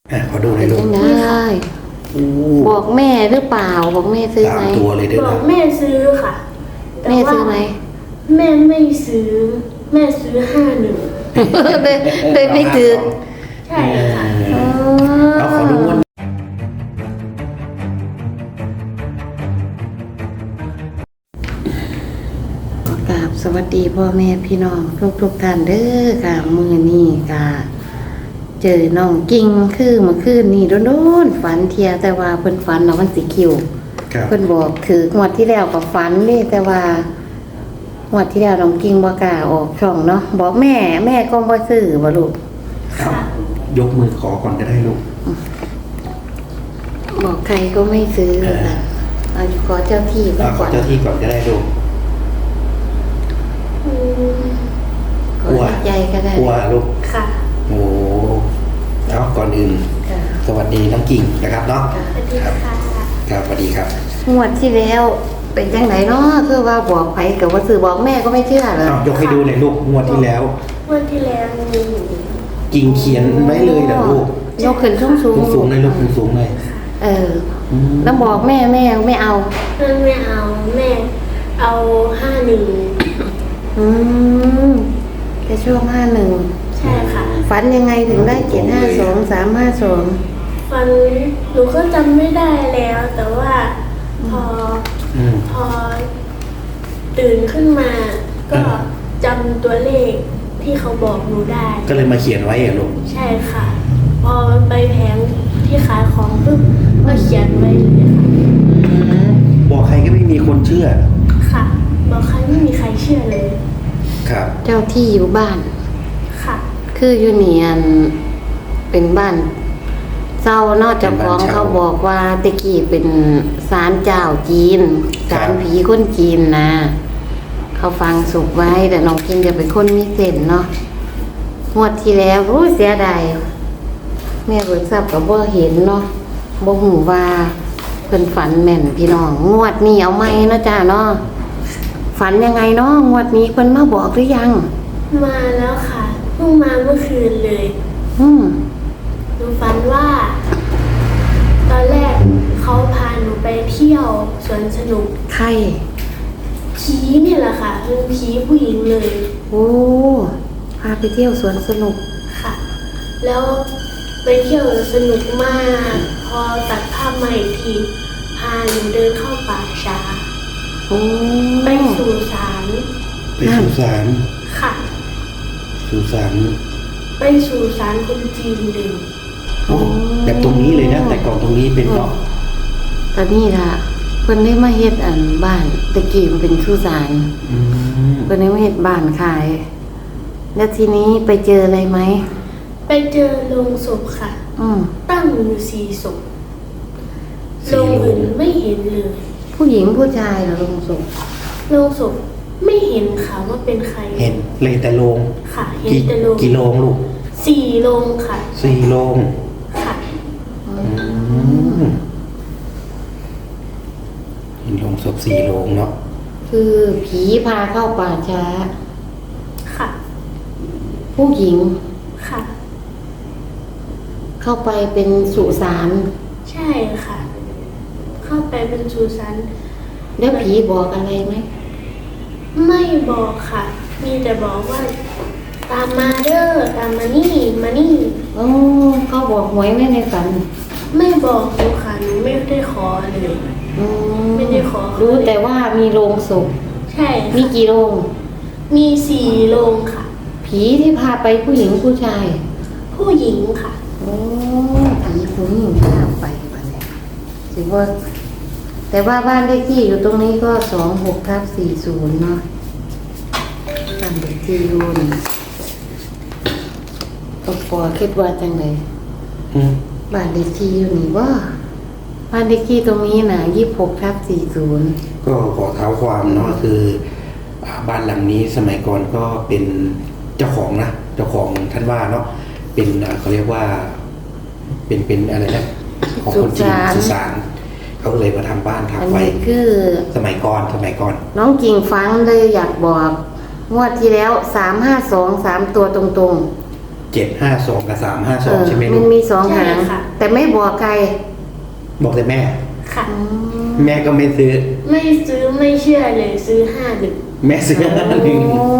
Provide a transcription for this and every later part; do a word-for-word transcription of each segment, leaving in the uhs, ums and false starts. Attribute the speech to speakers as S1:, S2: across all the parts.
S1: อ่ะขอดูหน่อยลูก
S2: ได้
S1: โอ้
S2: บอกแม่หรือเปล่าบอกแม่ซื้อ
S1: สา
S2: ไห
S1: ม
S2: ม
S1: ตัวเลยด้วย
S3: บอ
S1: นะ
S3: กแม่ซื้อค่ะแต่
S2: แม่
S3: ว่า
S2: ซื้อไหม
S3: แม่ไม่ซื้อ แม่ซื้อห้าหนึ่ง
S2: เลยเลยไม่ถือ
S3: ใช่ค่ะ
S1: เออเอาขอดูวัน
S2: กราบสวัสดีพ่อแม่พี่น้องทุกทุกๆท่านเด้อค่ะมือนี่ค่ะเจอน้องกิ่งคือเมื่อคืนนี่โดนๆฝันเทียแต่ว่าเพิ่นฝันแล้วมันสิคิว
S1: ครับ
S2: เพิ่นบอกถืองวดที่แล้วก็ฝันเด้แต่ว่างวดที่แล้วน้องกิ่งบ่กล้าออกช่องเนาะบอกแม่แม่ก็บ่ซื้อบ่ลูก
S1: ครับยกมือขอก่อนก็ได้ลูก
S2: บอกใครก็ไม่ซื้อ
S1: เออ
S2: ค่ะเอาอยู่ขอเจ้าที่ก็
S1: เอาข
S2: ก่
S1: อ
S2: อน
S1: เจ้าที่ก่อนก็ได้ลูก
S3: อืม
S2: ขอใจก็ได้
S1: กลัวลูก
S3: ค่ะ
S1: โอ้เอาก่อนอื่น
S2: ค่ะ
S1: สวัสดีน้องกิ่งนะครับเนาะ
S3: สวัสดีค่ะ
S1: ครับสวัสดีครับ
S2: งวดที่แล้วเป็นจังไหนเนาะคือว่าบอกไผกับว่าซื้อบอกแม่ก็ไม่เชื่อเลย
S1: เอายกให้ดูเลยลูกงวดที่แล้ว
S3: วันที่แล้วมี
S1: กิ่งเขียนไว้เลยเหรอลูก
S2: ยกขึ้นสูงสูง
S1: สูงๆเลยลูกสูงๆเลย
S2: เออ
S1: อืม
S2: แล้วบอกแม่แม่ไม่เอา
S3: แม่ไม่เอาแม่เอาห้าหนึ่ง
S2: อืมแค่ช่วงห้าหนึ่ง
S3: ใช่ค่ะ
S2: ฝันยังไงถึงได้เจ็ดห้าสองสามห้าสอง
S3: ฟันหนูก็จำไม่ได้แล้ว แต่ว่าพอ
S1: อืม
S3: พอตื่นขึ้นมา ก็จำตัวเลขที่เขาบอกหนูได้
S1: ก็เลยมาเขียนไว้เหรอลูก
S3: ใช่ค่ะ พอไปแผงที่ขายของปุ๊บก็เขียนไว้เลยค่ะ
S1: บอกใครก็ไม่มีคนเชื่อ
S3: ค่ะ บอกใครไม่มีใครเชื่อเลย
S1: ครับ
S2: เจ้าที่อยู่บ้าน
S3: ค่ะ
S2: คืออยู่เนียนเป็นบ้านเจ้านอกจากของเขาบอกว่าตะกี้เป็นศาลเจ้าจีนศาลผีคนจีนนะเขาฟังสุกไว้แต่น้องกินจะเป็นคนมีเส้นเนาะงวดที่แล้วรู้เสียดายแม่เบิกทรัพย์กับบ่เห็นเนาะบ่หูว่าเพิ่นฝันแม่นพี่น้องงวดนี้เอาไหมเนาะจ้าเนาะฝันยังไงเนาะงวดนี้เพิ่นมาบอกหรือยัง
S3: มาแล้วค่ะเพิ่งมาเมื่อคืนเลย
S2: อืม
S3: หนูฝันว่า ตอนแรกเขาพาหนูไปเที่ยวสวนสนุก
S2: ใคร
S3: ผีเนี่ยแหละค่ะเป็นผีผู้หญิงเลย
S2: โอ้พาไปเที่ยวสวนสนุก
S3: ค่ะ แล้วไปเที่ยวสนุกมาก พอตัดภาพมาอีกทีพาหนูเดินเข้าป่าช้า
S2: โอ้
S3: ไปสู่ศาล
S1: ไปสุสาน
S3: ค่ะ
S1: สุสาน
S3: ไปสู่ศาลคนจีนเลย
S1: โอ้แบบตรงนี้เลยนะแต่ก่อนตรงนี้เป็นเนาะ
S2: ตอนนี้ล่ะเพิ่นได้มาเฮ็ดอันบ้านตะกี้มันเป็นสุสาน
S1: อืม
S2: เพิ่นได้มาเฮ็ดบ้านขาย แล้วทีนี้ไปเจออะไรไหม
S3: ไปเจอโลงศพค่ะ
S2: อืม
S3: ตั้งอยู่สี่ศพโลงอื่นไม่เห็นเลย
S2: ผู้หญิงผู้ชายเหรอลงศพ
S3: โลงศพไม่เห็นค่ะว่าเป็นใคร
S1: เห็นเลยแต่โลง
S3: ค่ะ เห็น
S1: กี่
S3: แต่โลง
S1: กี่โลงลูก
S3: สี่โลงค่ะ
S1: สี่โลง
S3: ค่ะ
S1: อืมเห็นโลงศพสี่โลงเนาะ
S2: คือผีพาเข้าป่าช้า
S3: ค่ะ
S2: ผู้หญิง
S3: ค่ะ
S2: เข้าไปเป็นสุสาน
S3: ใช่ค่ะ เข้าไปเป็นสุสาน
S2: แล้วผีบอกอะไรไหม
S3: ไม่บอกค่ะ มีแต่บอกว่า ตามมาเด้อตามมานี่มานี่
S2: โอ้เขาบอกหวยไหมในฝัน
S3: ไม่บอกหนูค่ะหนูไม่ได้ขอเลย
S2: อื
S3: ไม่ได้ขอ
S2: รู้แต่ว่ามีโรงศพ
S3: ใช่
S2: มี
S3: ค่ะ
S2: กี่โรง
S3: มีสี่โรงค่ะ
S2: ผีที่พาไปผู้หญิงผู้ชาย
S3: ผู้หญิงค่ะ
S2: โอ้ผีผู้หญิงพาไปบัดนี้ถือว่า แต่ว่าบ้านเลขที่อยู่ตรงนี้ก็สองหกทับสี่ศูนย์เนาะบ้านเลขที่อยู่นี่ก็พอคิดว่าจังเลย
S1: อืม
S2: บ้านเลขที่อยู่นี่ว่าบ้านเลขที่ตรงนี้นะยี่สิบหกทับสี่ศูนย์
S1: ก็ขอเท้าความเนาะคืออ่าบ้านหลังนี้สมัยก่อนก็เป็นเจ้าของนะเจ้าของท่านว่าเนาะเป็นอ่าเขาเรียกว่า เป็นเป็นอะไรนะของคนจีนสุสานเขาเลยมาทำบ้าน
S2: อัน
S1: ทำไว้
S2: นี้คือ
S1: สมัยก่อนสมัยก่อน
S2: น้องกิ่งฟังเลยอยากบอกงวดที่แล้วสามห้าสองสามตัวตรง
S1: เจ็ดห้าสองกับสามห้าส
S2: เอ
S1: อง
S2: อ
S1: ใช่ไหม
S2: มั
S1: ลู
S2: น
S1: ก
S2: มีสองหาง
S3: ใช่ค่ะ
S2: แต่ไม่บอกใคร
S1: บอกแต่แม่
S3: ค่ะ
S2: อืม
S1: แม่ก็ไม่ซื้อ
S3: ไม่ซื้อไม่เชื่อเลยซื้อห้าหนึ่ง
S1: แม่ซื้อหนึ่ง
S2: โอ้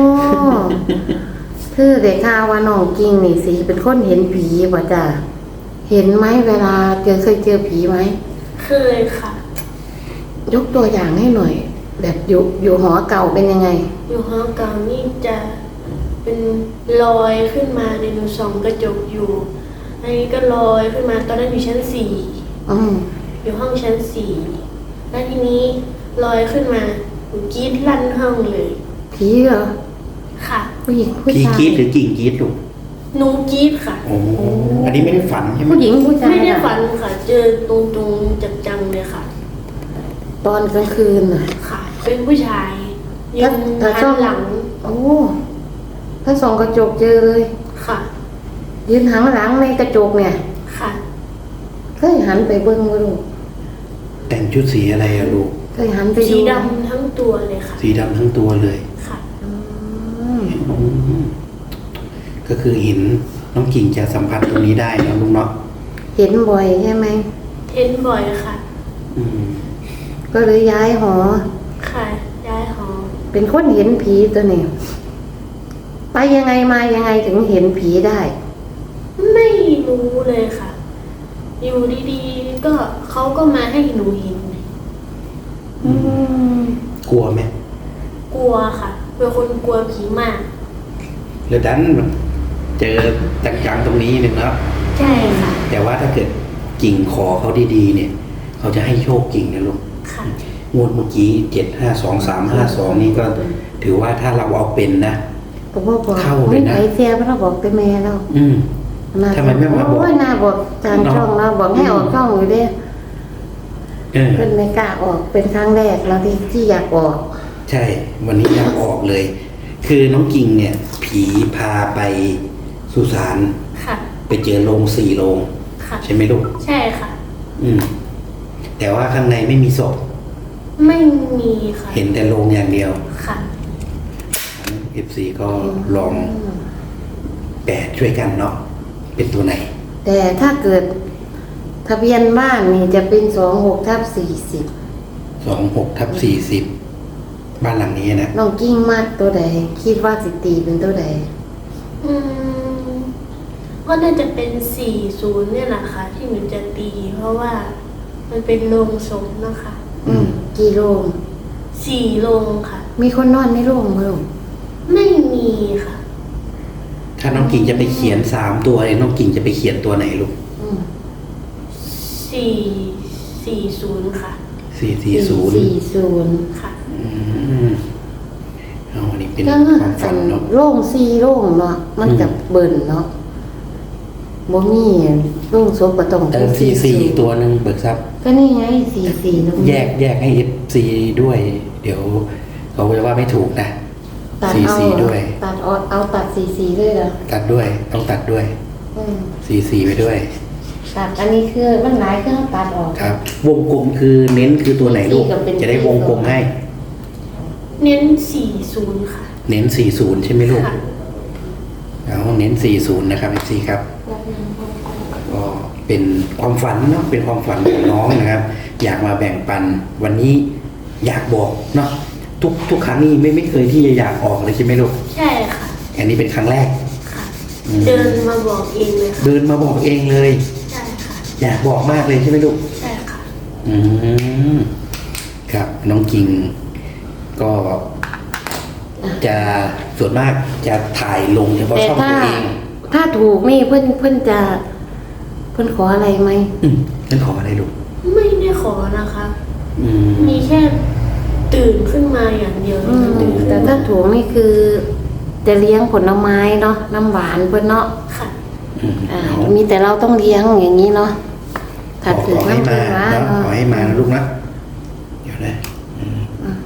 S2: คือได้ข่าวว่าน้องกิ้งนี่สิเป็นคนเห็นผีป่ะจ้ะเห็นไหมเวลาเจอเคยเจอผีไหม
S3: เคยค่ะ
S2: ยกตัวอย่างให้หน่อย แบบอยู่อยู่หอเก่าเป็นยังไง
S3: อยู่ห้องเก่านี่จะเป็นลอยขึ้นมาในหนูส่องกระจกอยู่ อันนี้ก็ลอยขึ้นมาตอนนั้นอยู่ชั้นสี่
S2: อืม
S3: อยู่ห้องชั้นสี่แล้วทีนี้ลอยขึ้นมาหนูกรีดลั่นห้องเลย
S2: ผีเหรอ
S3: ค่ะ
S2: ผู้หญิงผู้
S1: พี่
S2: ชาย
S1: กรีดหรือกิ่งกรีดลูก
S3: หนูกรีดค่ะ
S1: โอ้อันนี้ไม่ได้ฝันใช่ไหม
S2: ผู้หญิงผู้ชาย
S3: ไม่ได้
S2: อะ
S3: ฝันค่ะ เจอตรงตรงๆจังๆเลยค่ะ
S2: ตอนกลางคืนน่ะ
S3: ค่ะ เป็นผู้ชายยืน
S2: ถ้า
S3: หั
S2: ชอบ
S3: นหลัง
S2: โอ้ถ้าส่องกระจกเจอเลย
S3: ค่ะ
S2: ยืนหันหลังในกระจกเนี่ย
S3: ค่ะ
S2: เคยหันไปเบิ้งบ่ลูก
S1: แต่งชุดสีอะไรอะลูก
S2: เคยหันไป
S3: สี
S2: ดูไหม
S3: ดำทั้งตัวเลยค่ะ
S1: สีดำทั้งตัวเลย
S3: ค่ะ
S2: อืม
S1: อืมก็คือเห็นน้องกิ่งจะสัมผัสตรงนี้ได้นะลูกเนาะ
S2: เห็นบ่อยใช่ไหม
S3: เทนบ่อยค่ะ
S1: อืม
S2: ก็เลยย้ายหอ
S3: ค่ะย้ายหอ
S2: เป็นคนเห็นผีตัวนี้ไปยังไงมายังไงถึงเห็นผีได้
S3: ไม่รู้เลยค่ะ อยู่ดีๆ ก็เขาก็มาให้หนูเห็น
S2: อืม
S1: กลัวไหม
S3: กลัวค่ะ เป็นคนกลัวผีมาก
S1: แล้วดันมันเจอจังๆตรงนี้หนึ่งเนาะ
S3: ใช่ค่ะ
S1: แต่ว่าถ้าเกิดกิ่งขอเขาดีๆเนี่ย เขาจะให้โชคกิ่งนะลูก
S3: ค่ะ
S1: งวดเมื่อกี้เจ็ดห้าสองสามห้าสองนี่ก็ถือว่าถ้าเราเอาเป็นนะ
S2: ก็บอกบอก
S1: เข้าเลยนะ
S2: ไม่ไหเสียเพราะเราบอกแต่แม่เรา
S1: อืม
S2: น่า
S1: ทำไมไม่มาบอก
S2: โอ้ยน่าบอกจานช่องเราบอกให้ออกช่องอยู่เด้
S1: เออ
S2: เพิ่นไม่กล้าออกเป็นครั้งแรกแล้วที่ที่อยากออก
S1: ใช่ วันนี้อยากออกเลย คือน้องกิ่งเนี่ย ผีพาไปสุสาน
S3: ค่ะ
S1: ไปเจอโรงสี่โรง
S3: ค่ะ
S1: ใช่ไหมลูก
S3: ใช่ค่ะ
S1: อืม แต่ว่าข้างในไม่มีศพ
S3: ไม่มีค่ะ
S1: เห็นแต่โรงอย่างเดียว
S3: ค่ะ
S1: เอฟซีก็ลองแปดช่วยกันเนาะเป็นตัวไหน
S2: แต่ถ้าเกิดทะเบียนบ้านนี่จะเป็นสองหกทับสี่สิบ
S1: สองหกทับสี่สิบบ้านหลังนี้นะ
S2: น้องกิ้งมากตัวใด คิดว่าสิตีเป็นตัวใด
S3: อืมก็น่าจะเป็นสี่ศูนย์เนี่ยแหละค่ะ ที่หนูจะตี เพราะว่ามันเป็นโรงศพนะคะ
S2: อืมกี่โรง
S3: สี่โรงค่ะ
S2: มีคนนอนในโรงมั้ยลูก
S3: ไม่มีค่ะ
S1: ถ้าน้องกิ่งจะไปเขียนสามตัวเนี่ยน้องกิ่งจะไปเขียนตัวไหนลูก
S2: อืม
S3: สี่สี่ศูนย์ค่ะ
S1: สี่สี่ศูนย์
S2: สี่ศูนย์
S3: ค่ะ
S1: อืมเอาอันนี้เป็น
S2: ก็
S1: ความฝันเนาะ
S2: โล่งสี่โล่งเนาะมันกับเบิ่นเนาะบ่มีโล่งศพก็ต้อง
S1: เออสี่สี่อีกตัวหนึ่งเบิกทรัพย์
S2: ก็นี่ไงสี่สี่ตรงนี้
S1: แยกแยกให้เอฟซีด้วย เดี๋ยวเขาจะว่าไม่ถูกนะ
S2: ตัด
S1: สี่
S2: เอา
S1: สี่ด้วย
S2: ตัดเอาเอาตัดสี่สี่ด้วยเหรอ
S1: ตัดด้วย ต้องตัดด้วย
S2: อืม
S1: สี่สี่ไปด้วย
S2: ตัดอันนี้คือมันหลายเครื่องตัดออก
S1: ครับ วงกลมคือเน้นคือตัวไหนลูก
S2: สี่กับเป็น
S1: จะได้วงกลมให้
S3: เน้นสี่ศูนย์ค่ะ
S1: เน้นสี่ศูนย์ใช่ไหมลูก
S3: ค่ะ
S1: เอาเน้นสี่ศูนย์นะครับเอฟซีครับ ก็เป็นความฝันเนาะเป็นความฝันของน้องนะครับ อยากมาแบ่งปันวันนี้อยากบอกเนาะทุกทุกครั้งนี้ไม่ไม่เคยที่จะอยากออกเลยใช่ไหมลูก
S3: ใช่ค่ะ
S1: อันนี้เป็นครั้งแรก
S3: ค่ะ
S1: อืม
S3: เดินมาบอกเองเลยค่ะ
S1: เดินมาบอกเองเลย
S3: ใช่ค่ะ
S1: อยากบอกมากเลยใช่ไหมลูก
S3: ใช่ค่ะ
S1: อืมครับน้องกิ่งก็จะส่วนมากจะถ่ายลงเฉพาะ
S2: แต่
S1: ช่อง
S2: ถ้า
S1: ตัวเอง
S2: ถ้าถูกนี่เพื่อนเพื่อนจะ เพื่อนขออะไรไหม
S1: อืมนั่นขออะไรลูก
S3: ไม่ได้ขอนะคะ
S1: อืม
S3: มีแค่ตื่นขึ้นมาอย่างเดียว
S2: อืม
S3: ตื่นขึ้น
S2: แต่ถ้าถูกนี่คือ จะเลี้ยงผลไม้เนาะน้ำหวานเพื่อนเนาะ
S3: ค่ะ
S1: อืม
S2: อ่า
S1: เอา
S2: มีแต่เราต้องเลี้ยงอย่างนี้เนาะ
S1: ข
S2: ถ้า
S1: อ
S2: ถือ
S1: ขอให้
S2: น้ำผ
S1: มา
S2: ลไม้
S1: เนาะ
S2: เนาะ
S1: ขอให้มานะลูกนะเดี๋ยวนะอืม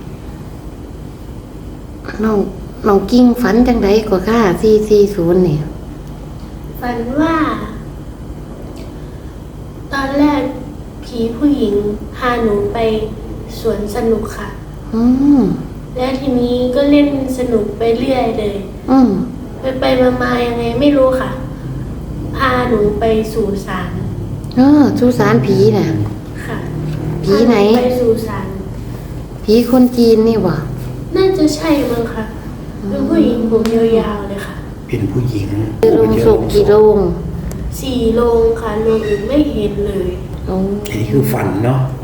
S2: น้องน้องกิ้งฝันจังไดกว่าค่าสี่สี่ศูนย์เนี่ย
S3: ฝันว่า ตอนแรกผีผู้หญิงพาหนูไปสวนสนุกค่ะ
S2: อืม
S3: และทีนี้ก็เล่นสนุกไปเรื่อยเลย
S2: อืม
S3: พไปไปมามายังไงไม่รู้ค่ะ พาหนูไปสู่ศาล
S2: เออสุสานผีน่ะ
S3: ค่ะ
S2: ผีไหน
S3: พาไปสู่ศาล
S2: ผีคนจีนนี่บ่
S3: น่าจะใช่มั้งค่ะเป็นผู้หญิงผมยาวๆเลยค่ะ
S1: เป็นผู้หญิง
S2: โรงศพกี่โรง
S3: สี่โรงค่ะโรงอื่นไม่เห็นเลย
S2: โอ้
S1: อันนี้คือฝันเนาะ